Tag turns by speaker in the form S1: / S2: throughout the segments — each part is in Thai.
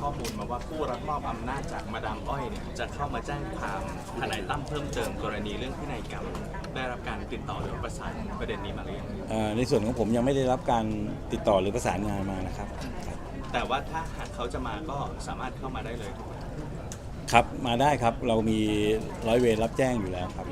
S1: ข้อมูลมาว่าผู้รับมอบอำนาจจากมาดามอ้อยเนี่ยจะเข้ามาแจ้งความทนายตั้มเพิ่มเติมกรณีเรื่องพินัยกรรมได้รับการติดต่อหรือประสานประเด็นนี้มาหรือยัง
S2: ในส่วนของผมยังไม่ได้รับการติดต่อหรือประสานงานมานะครับ
S1: แต่ว่าถ้าหากเขาจะมาก็สามารถเข้ามาได้เลยถูกไหม
S2: ครับมาได้ครับเรามีร้อยเวรรับแจ้งอยู่แล้วครับ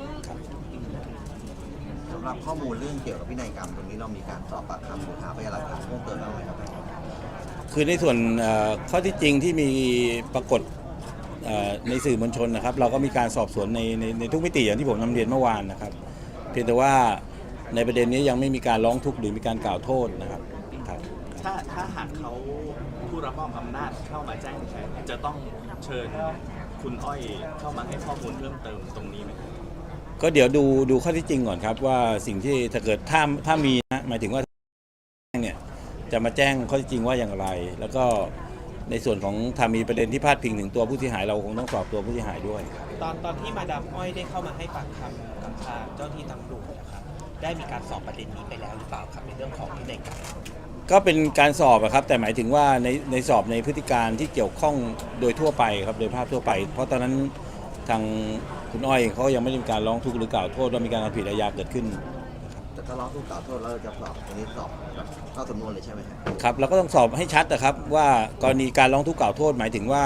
S3: สำหรับข้อมูลเรื่องเกี่ยวกับพินัยกรรมตรงนี้เรามีการสอบปากคำหรือหาพยานหลักฐานเพิ่มเติมบ้างไหมครับ
S2: คือในส่วนข้อที่จริงที่มีปรากฏในสื่อมวลชนนะครับเราก็มีการสอบสวนในทุกมิติอย่างที่ผมนำเรียนเมื่อวานนะครับเพียงแต่ว่าในประเด็นนี้ยังไม่มีการร้องทุกข์หรือมีการกล่าวโทษนะครับ
S1: ถ้าหากเขาผู้รับมอบอำนาจเข้ามาแจ้งแทนจะต้องเชิญคุณอ้อยเข้ามาให้ข้อมูลเพิ่มเติมตรงนี้ไหม
S2: ก็เดี๋ยวดูข้อที่จริงก่อนครับว่าสิ่งที่ถ้าเกิดถ้ามีนะหมายถึงว่าเนี่ยจะมาแจ้งข้อที่จริงว่าอย่างไรแล้วก็ในส่วนของถ้ามีประเด็นที่พาดพิงถึงตัวผู้เสียหายเราคงต้องสอบตัวผู้เสียหายด้วย
S4: ตอนที่มาดามอ้อยได้เข้ามาให้ปากคำกับทางเจ้าที่ตำรวจนะครับได้มีการสอบประเด็นนี้ไปแล้วหรือเปล่าครับในเรื่องของพินัยกรรม
S2: ก็เป็นการสอบครับแต่หมายถึงว่าในสอบในพฤติการที่เกี่ยวข้องโดยทั่วไปครับโดยภาพทั่วไปเพราะตอนนั้นทางคุณอ้อยเขายังไม่ได้มีการร้องทุกข์หรือกล่าวโทษว่ามีการทำผิดอาญาเกิดขึ้น
S3: แต่ถ้าร้องทุกข์กล่าวโทษแล้วจะสอบตรงนี้สอบเข้าสำนวนเลยใช่ไหม
S2: ครับเราก็ต้องสอบให้ชัดนะครับว่ากรณีการร้องทุกข์กล่าวโทษหมายถึงว่า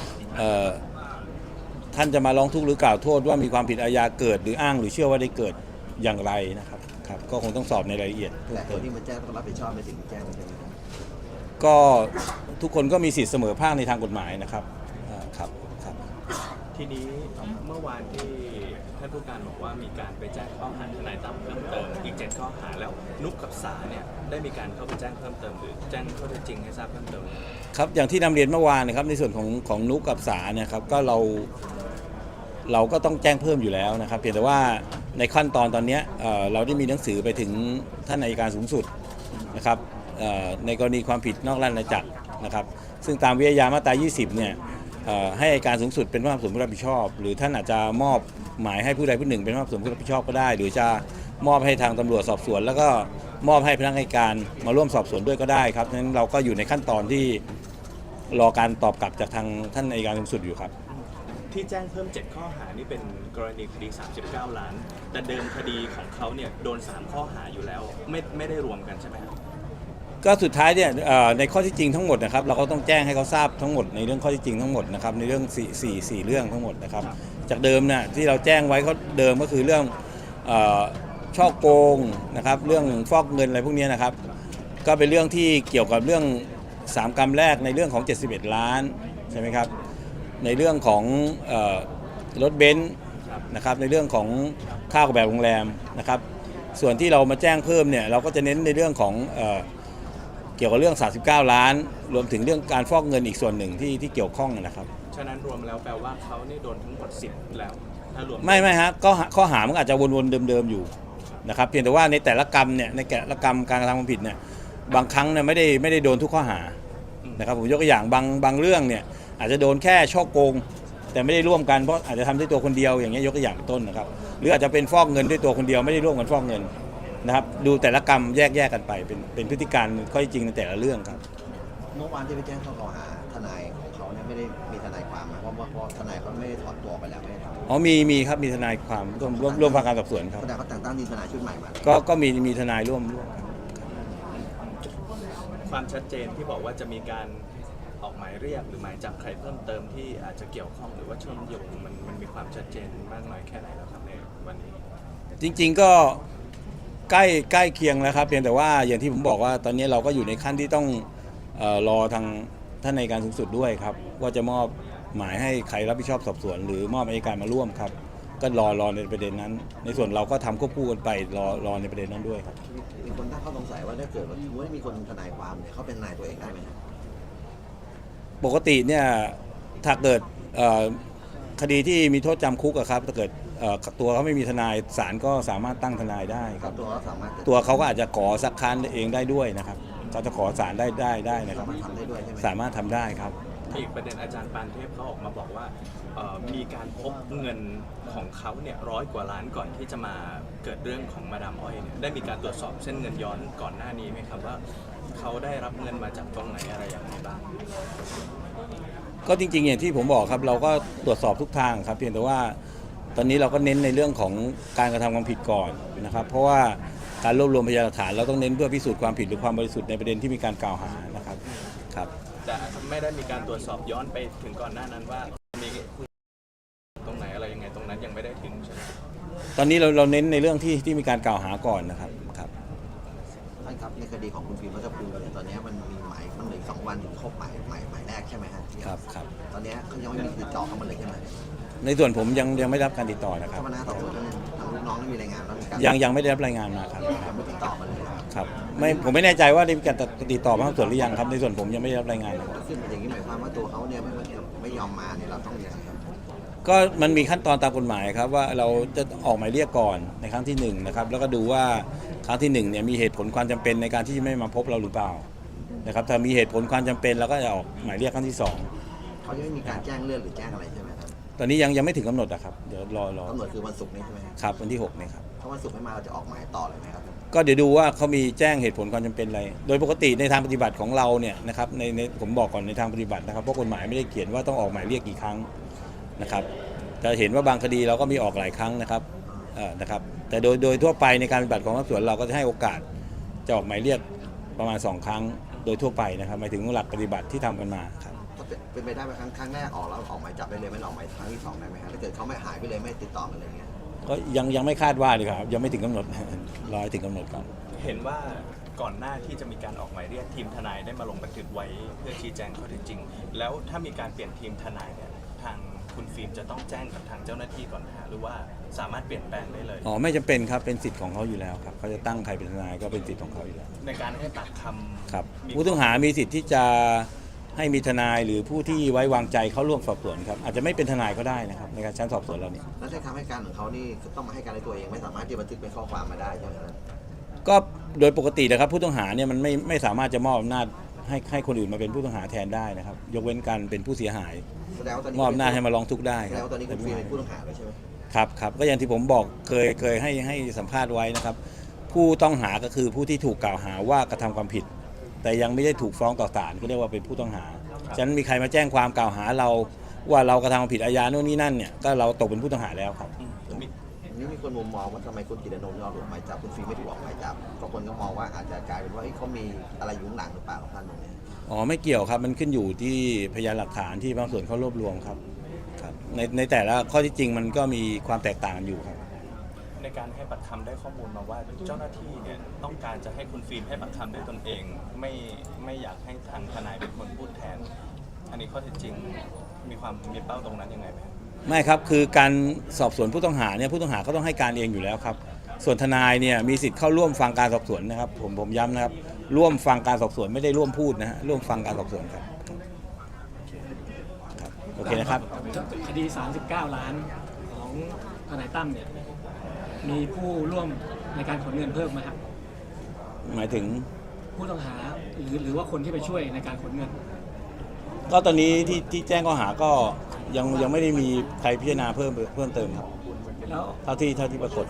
S2: ท่านจะมาร้องทุกข์หรือกล่าวโทษว่ามีความผิดอาญาเกิดหรืออ้างหรือเชื่อว่าได้เกิดอย่างไรนะครับก็คงต้องสอบในรายละเอียด
S3: แต่คนที่มาแจ้งต้องรับผิดชอบในสิ่งที่แจ้งใช่ไหม
S2: ก็ทุกคนก็มีสิทธิเสมอภาคในทางกฎหมายนะครับครับ
S1: ทีนี้เมื่อวานที่ท่านผู้การบอกว่ามีการไปแจ้งข้อหาทนายตั้มเพิ่มเติมอีก7ข้อหาแล้วนุกกับสาเนี่ยได้มีการเข้าไปแจ้งเพิ่มเติมหรือแจ้งข้อเท็จจริงให้ทราบเพิ่มเติม
S2: ครับอย่างที่นำเรียนเมื่อวานนะครับในส่วนของนุกกับสาเนี่ยครับก็เราก็ต้องแจ้งเพิ่มอยู่แล้วนะครับเพียงแต่ว่าในขั้นตอนนี้เราได้มีหนังสือไปถึงท่านอัยการสูงสุดนะครับในกรณีความผิดนอกราชอาณาจักรนะครับซึ่งตามวิทยามาตรา 20 เนี่ยให้อัยการสูงสุดเป็นผู้ส่วนผู้รับผิดชอบหรือท่านอาจจะมอบหมายให้ผู้ใดผู้หนึ่งเป็นผู้ส่วนผู้รับผิดชอบก็ได้หรือจะมอบให้ทางตำรวจสอบสวนแล้วก็มอบให้พนักงานอัยการมาร่วมสอบสวนด้วยก็ได้ครับฉะนั้นเราก็อยู่ในขั้นตอนที่รอการตอบกลับจากทางท่านอัยการสูงสุดอยู่ครับ
S1: ที่แจ้งเพิ่ม7ข้อหานี่เป็นกรณีคดี39 ล้านแต่เดิมคดีของเขาเนี่ยโดน3ข้อหาอยู่แล้วไม่ได้รวมกันใช่ไหมครับ
S2: ก็สุดท้ายเนี่ยในข้อที่จริงทั้งหมดนะครับเราก็ต้องแจ้งให้เขาทราบทั้งหมดในเรื่องข้อที่จริงทั้งหมดนะครับในเรื่อง4เรื่องทั้งหมดนะครับจากเดิมเนี่ยที่เราแจ้งไว้ก็เดิมก็คือเรื่องช่อโกงนะครับเรื่องฟอกเงินอะไรพวกนี้นะครับก็เป็นเรื่องที่เกี่ยวกับเรื่อง3 กรรมแรกในเรื่องของ71 ล้านใช่ไหมครับในเรื่องของรถเบนซ์นะครับในเรื่องของค่าออกแบบโรงแรมนะครับส่วนที่เรามาแจ้งเพิ่มเนี่ยเราก็จะเน้นในเรื่องของเกี่ยวกับเรื่อง39 ล้านรวมถึงเรื่องการฟอกเงินอีกส่วนหนึ่งที่เกี่ยวข้องนะครับ
S1: ฉะนั้นรวมแล้วแปลว่าเขานี่โดนทั้งหมด10แล้วถ้ารวม
S2: ไม่ฮะก็ข้อหามันอาจจะวนๆเดิมๆอยู่นะครับเพียงแต่ว่าในแต่ละกรรมเนี่ยในแต่ละกรรมการกระทำความผิดเนี่ยบางครั้งเนี่ยไม่ได้โดนทุกข้อหานะครับผมยกตัวอย่างบางเรื่องเนี่ยอาจจะโดนแค่ช่อโกงแต่ไม่ได้ร่วมกันเพราะอาจจะทำด้วยตัวคนเดียวอย่างเงี้ยยกตัวอย่างต้นนะครับหรืออาจจะเป็นฟอกเงินด้วยตัวคนเดียวไม่ได้ร่วมกันฟอกเงินนะครับดูแต่ละกรรมแยกกันไปเป็นพฤติการข้อจริงในแต่ละเรื่องครับ
S3: เมื่อวานที่ไปแจ้งข้อกล่าวหาทนายของเขาเนี่ยไม่ได้มีทนายความนะเพราะทนายเขาไม่ได้ถอนตัวไปแล้วไม่ได้ทำ
S2: มีครับมีทนายความร่วมฟังการสอบสวนครับ
S3: แต่เขาแต่งตั้งทีมทนายชุดใหม่มา
S2: ก็มีทนายร่วม
S1: ความชัดเจนที่บอกว่าจะมีการออกหมายเรียกหรือหมายจับใครเพิ่มเติมที่อาจจะเกี่ยวข้องหรือว่าเชื่อมโยงมันมีความชัดเจนมากน้อยแค่ไหนแล้วครับในวันนี้
S2: จริงๆก็ใกล้เคียงแล้วครับเพียงแต่ว่าอย่างที่ผมบอกว่าตอนนี้เราก็อยู่ในขั้นที่ต้องรอทางท่านอัยการสูงสุดด้วยครับว่าจะมอบหมายให้ใครรับผิดชอบสอบสวนหรือมอบอัยการมาร่วมครับก็รอในประเด็นนั้นในส่วนเราก็ทำควบคู่กันไปรอในประเด็นนั้นด้วยครับ
S3: มีคนตั้งข้อสงสัยว่าถ้าเกิดว่าไม่มีคนทนายความเนี่ยเขาเป็นนายตัวเองได้ไหม
S2: ปกติเนี่ยถ้าเกิดคดีที่มีโทษจำคุกครับถ้าเกิดตัวเขาไม่มีทนายศาลก็สามารถตั้งทนายได้ครับตัวเขาก็อาจจะขอซักค้านเองได้ด้วยนะครับเขาจะขอศาลได้นะครับสามารถทำได้ครับ
S1: อีกประเด็นอาจารย์ปานเทพเขาออกมาบอกว่ามีการพบเงินของเขาเนี่ย100 กว่าล้านก่อนที่จะมาเกิดเรื่องของมาดามอ้อยเนี่ยได้มีการตรวจสอบเส้นเงินย้อนก่อนหน้านี้ไหมครับว่าเขาได้รับเงินมาจากตรงไหนอะไรอย่างไรบ้าง
S2: ก็จริงๆอย่างที่ผมบอกครับเราก็ตรวจสอบทุกทางครับเพียงแต่ว่าตอนนี้เราก็เน้นในเรื่องของการกระทำความผิดก่อนนะครับเพราะว่าการรวบรวมพยานหลักฐานเราต้องเน้นเพื่อพิสูจน์ความผิดหรือความบริสุทธิ์ในประเด็นที่มีการกล่าวหานะครับครับ
S1: แต่ไม่ได้มีการตรวจสอบย้อนไปถึงก่อนหน้านั้นว่ามีตรงไหนอะไรยังไงตรงนั้นยังไม่ได้ถึงใช่ไหม
S2: ตอนนี้เราเน้นในเรื่องที่มีการกล่าวหาก่อนนะครับครับ
S3: ท่านครับในคดีของคุณฟิล์มรัฐภูมิเนี่ยตอนนี้มันมีหมายมันเหลืออีก2 วันถึงครบหมายแรกใช่ไหมฮะ
S2: ครับครับ
S3: ตอนนี้เขายังไม่มีติดต่อเข้ามาเลยใช่ไหม
S2: ในส่วนผมยังไม่ได้รับการติดต่อนะครั
S3: เจ้า
S2: บ
S3: พนักงานสอบสวนทางลูกน้องได้มีรายงานว่ามีการ
S2: ยังไม่ได้รับรายงานมาครับ
S3: ยังไม่ติดต่อมาเลยครับ
S2: ครับไม่ผมไม่แน่ใจว่าได้มีการติดต่อมาทางส่วนหรือยังครับในส่วนผมยังไม่ได้รับรายงานนะครับ
S3: ซึ่งอย่างนี้หมายความว่าตัวเขาเนี่ยไม่ยอมมาเนี่ยเราต้องยังไงครับ
S2: ก็มันมีขั้นตอนตามกฎหมายครับว่าเราจะออกหมายเรียกก่อนในครั้งที่1นะครับแล้วก็ดูว่าครั้งที่1เนี่ยมีเหตุผลความจำเป็นในการที่ไม่มาพบเราหรือเปล่านะครับถ้ามีเหตุผลความจำเป็นเราก็จะออกหมายเรียกครั้งที่2
S3: เขายังไม่มีการแจ้งเลื่อนหรือแจ้งอะไรใช่ไหมครับ
S2: ตอนนี้ยังไม่ถึงกำหนดนะครับเดี๋ยวรอก
S3: ำหนดคือวันศุกร์นี้ใช่ไหมครับ
S2: ครับวันที่6เนี่ยครับ
S3: ถ้าวันศุกร์ไม่มาเราจะออกหมายต่อเลยไหมครับ
S2: ก็เดี๋ยวดูว่าเขามีแจ้งเหตุผลความจำเป็นอะไรโดยปกติในทางปฏิบัติของเราเนี่ยนะครับในผมบอกก่อนในทางปฏิบัตินะครับเพราะกฎหมายไม่ได้เขียนว่าต้องออกหมายเรียกกี่ครั้งนะครับจะเห็นว่าบางคดีเราก็มีออกหลายครั้งนะครับนะครับแต่โดยทั่วไปในการปฏิบัติของสอบสวนเราก็จะให้โอกาสจะออกหมายเรียกประมาณ2 ครั้งโดยทั่วไปนะครับหมายถึงหลักปฏิบัติที่ทำกันมาครับ
S3: ถ้าเป็นไปได้ไหมครั้งแรกออกแล้วออกหมายจับได้เลยไม่ออกหมายครั้งที่2ได้ไหมครับถ้าเกิดเขาไม่หายไปเลยไม่ติดต่อกันเลยเงี้ย
S2: ก็ยังไม่คาดว่าเลยครับยังไม่ถึงกำหนด รอให้ถึงกำหนดก่อน
S1: เห็นว่าก่อนหน้าที่จะมีการออกหมายเรียกทีมทนายได้มาลงบันทึกไว้เพื่อชี้แจงข้อเท็จจริง แล้วถ้ามีการเปลี่ยนทีมทนายเนี่ยทางคุณฟิล์มจะต้องแจ้งกับทางเจ้าหน้าที่ก่อนนะฮะหรือว่าสามารถเปลี่ยนแปลงได้เลย
S2: อ๋อไม่จำเป็นครับเป็นสิทธิ์ของเขาอยู่แล้วครับเขาจะตั้งใครเป็นทนายก็เป็นสิทธิ์ของเขาอยู่แล้ว
S1: ในการให้ปากคำ
S2: ครับ
S1: มี
S2: ผู้ต้องหามีสิทธิ์ที่จะให้มีทนายหรือผู้ที่ไว้วางใจเข้าร่วมสอบสวนครับอาจจะไม่เป็นทนายก็ได้นะครับในการชั้นสอบสวนเราเนี่ย
S3: แล้วในคำให้การของเขานี่ต้องมาให้การในตัวเองไม่สามารถที่จะบันทึกเป็นข้อความมาได้ใช่ไหมครับ
S2: ก็โดยปกตินะครับผู้ต้องหาเนี่ยมันไม่สามารถจะมอบอำนาจให้คนอื่นมาเป็นผู้ต้องหาแทนได้นะครับยกเว้นการเป็นผู้เสียหาย
S3: แสดงว่าตอนนี้
S2: มอบอำนาจให้มาร้องทุกข์ได้
S3: แส
S2: ค
S3: ด
S2: รั
S3: ง
S2: บ
S3: ว่าตอนนี้คุณฟิล์มเป็นผู้ต้องหาแล้วใช่ไหม
S2: ครับก็อย่างที่ผมบอกเคยให้สัมภาษณ์ไว้นะครับผู้ต้องหาก็คือผู้ที่ถูกกล่าวหาว่ากระทำความผิด แต่ยังไม่ได้ถูกฟ้องต่อศาลก็เรียกว่าเป็นผู้ต้องหาฉะนั้นมีใครมาแจ้งความกล่าวหาเราว่าเรากระทำความผิดอาญาโน่นนี่นั่นเนี่ยก็เราตกเป็นผู้ต้องหาแล้วครับ
S1: มี
S3: นี่มีคนมุมมองว่าทำไมคุณกิตตินนท์ยอมหลบหมายจับคุณฟิล์มไม่ถูกออกหมายจับก็คนก็มองว่าอาจจะกลายเป็นว่าเขามีอะไรอยู่ข้างหลังหรือเปล่าของท่านตรงนี้
S2: อ๋อไม่เกี่ยวครับมันขึ้นอยู่ที่พยานหลักฐานที่บางส่วนเขารวบรวมครับในแต่ละข้อที่จริงมันก็มีความแตกต่างกันอยู่ครับ
S1: ในการให้ปากคำได้ข้อมูลมาว่าเจ้าหน้าที่เนี่ยต้องการจะให้คุณฟิล์มให้ปากคำด้วยตนเอง ไม่อยากให้ทางทนายเป็นคนพูดแทน อันนี้ข้อเท็จจริงมีเป้าตรงนั้นยังไงไหมครับ
S2: ไม่ครับคือการสอบสวนผู้ต้องหาเนี่ยผู้ต้องหาก็ต้องให้การเองอยู่แล้วครับส่วนทนายเนี่ยมีสิทธิ์เข้าร่วมฟังการสอบสวนนะครับผมย้ำนะครับร่วมฟังการสอบสวนไม่ได้ร่วมพูดนะฮะร่วมฟังการสอบสวนครับโอเคนะครับ
S5: คดี 39 ล้านของทนายตั้มเนี่ยมีผู้ร่วมในการขนเงินเพิ่มไหมครับ
S2: หมายถึง
S5: ผู้ต้องหาหรือว่าคนที่ไปช่วยในการขนเงิน
S2: ก็ตอนนี้ที่แจ้งข้อหาก็ยังไม่ได้มีใครพิจารณาเพิ่มเติมครับ
S5: แล้ว
S2: เท่าที่ปรากฏ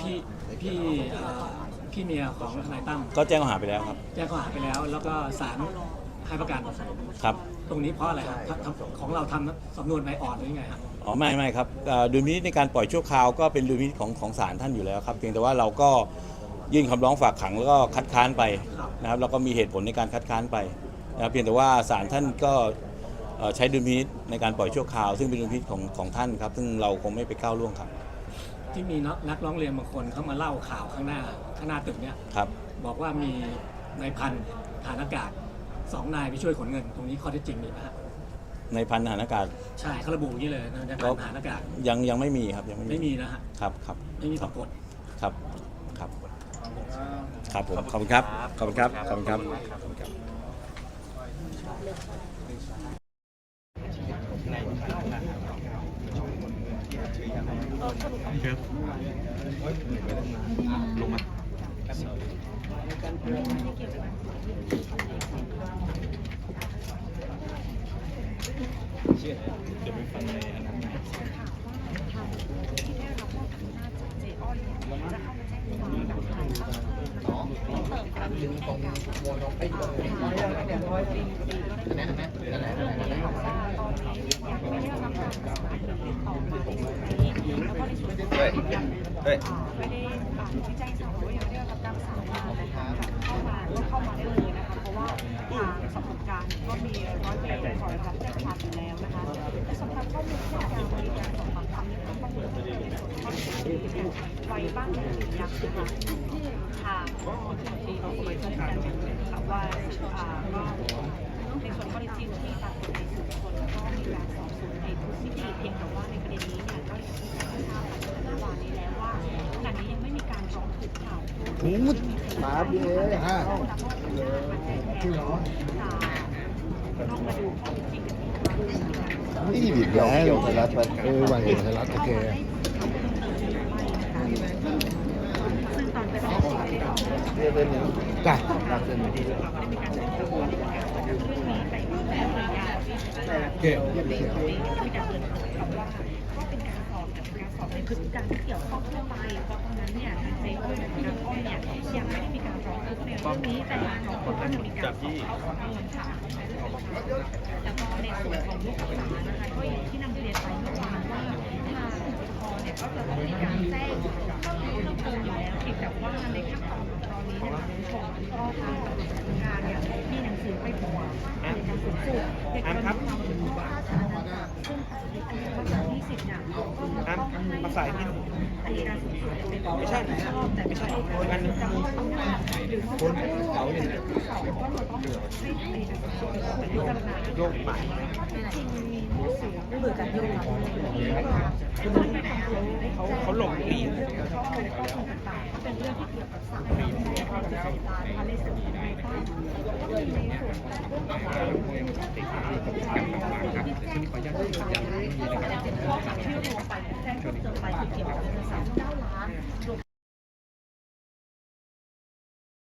S5: พี่เมียของทนายตั้ม
S2: ก็แจ้งข้อหาไปแล้วครับ
S5: แจ้งข้อหาไปแล้ว แล้วก็ศาลให้ประกัน
S2: ครับ
S5: ตรงนี้เพราะอะไรครับของเราทำสำนวนใบอ่อนหรือยังไงครับ
S2: อ๋อไม่ครับดุลพินิจในการปล่อยชั่วคราวก็เป็นดุลพินิจของศาลท่านอยู่แล้วครับเพียงแต่ว่าเราก็ยื่นคำร้องฝากขังแล้วก็คัดค้านไปนะครับแล้วก็มีเหตุผลในการคัดค้านไปนะครับเพียงแต่ว่าศาลท่านก็ใช้ดุลพินิจในการปล่อยชั่วคราวซึ่งเป็นดุลพินิจของท่านครับซึ่งเราคงไม่ไปก้าวล่วงครับ
S5: ที่มีนักร้องเรียนบางคนเขามาเล่าข่าวข้างหน้าตึกเนี่ย
S2: ครับ
S5: บอกว่ามีนายพันฐานอากาศ2 นายไปช่วยขนเงิน ตรงนี้ข้อเท็จจริงมีไหมครับ
S2: ในพันทหารอากาศ
S5: ใช่เขาระบุอย่างนี้เลยนายพันฐานอากาศ
S2: ยังไม่มีครับยัง
S5: ไม่มีนะฮะ
S2: ครับ
S5: ไม่มีปรากฏ
S2: ครับผมขอบคุณครับขอบคุณครับขอบคุณครับ
S3: นั่นแหละเอ้ย
S6: ไม่ได้ที่แจ้งสารว่ายังไม่ได้รับการประสานงานนะคะเข้ามาได้เลยนะคะเพราะว่าทางสอบสวนกลางก็มีร้อยเวรคอยรับแจ้งความอยู่แล้วนะคะและสำหรับข้อมูลที่การบริการสอบปากคำในเรื่องข้อมูลในส่วนข้อมูลที่ไว้บ้างหรือยังนะคะทางที่เราคุยกันค่ะว่าก็ในส่วนข้อเท็จจริงที่ตามกฎหมายสืบสวนก็มีการสอบสวนในทุกมิติเพียงแต่ว่าในประเด็นนี้เนี่ยก็อย่างที่เราทราบกันเมื่อวานนี้แล้วว่าขณะนี้ยังไม่มีการร้องทุกข์ข่าวมาพี่เอ๋ฮะต้องมาดูข้อเท็จจริงกันอีกครั้งหนึ่งนะคะ
S7: นี่อีกแล้วไทยรัฐวันเดียวไทยรัฐโอเค
S6: ซึ่งตอนไปสอบสวนไม่ได้ออกมา
S7: จ้ะ
S6: ได้มีการแจ้งความว่าได้มีการประกันเรื่องนี้ไปแล้วระยะที่
S7: เก่ง
S6: มีการเตือนเขาว่าก็เป็นการสอบในพฤติการที่เกี่ยวข้องทั่วไปเพราะตอนนั้นเนี่ยทางเจ๊อ้อยกับทางอ้อยเนี่ยยังไม่ได้มีการร้องทุกข์ในเรื่องนี้แต่ทางคนก็ยังมีการสอบเข้าสำนวนค่ะแล้วก็ในส่วนของลูกหลานนะคะก็อย่างที่นำเรียนไปเมื่อวานว่าทางปกครองเนี่ยก็จะต้องมีการแจ้งข้อมูลเพิ่มเติมอยู่แล้วเพียงแต่ว่าในขั้นตอนของตอนนี้เนี่ยคุณผู้ชมก็ทางตำรวจทำงานเนี่ยมีหนังสือไปบอกว่าในการสืบสวนในกรณีความผิดพลาดสาธารณะซึ่งวันที่10เนี่ยก็ต้องให้
S4: มาสายนิด
S6: อัยการสูงสุดเป็นผู้
S4: ไม่ใช่
S6: รับผิดชอบแต่ไม่ใช่การจะมอบอำนาจหรือมอบหมายให้เขาเนี่ยสอบก็เราต้องให้อัยการสูงสุดเป็นผู้พิจารณา
S4: โยกหมาย
S6: ข้อเท็จจริงมีหนังสือเบื่อการโยงคือมันไม่ทำ
S4: เขาหลงลีน
S6: เรื่องของข้อมูลต่างๆก็เป็นเรื่องที่เกี่ยวกับสังคมในความศึกษานะคะในส่วนของในบ้านก็มีในส่วนของเรื่องของการที่รวมไปแจ้งเพิ่มเติมไปคือเกี่ยวกับเงิน39 ล้าน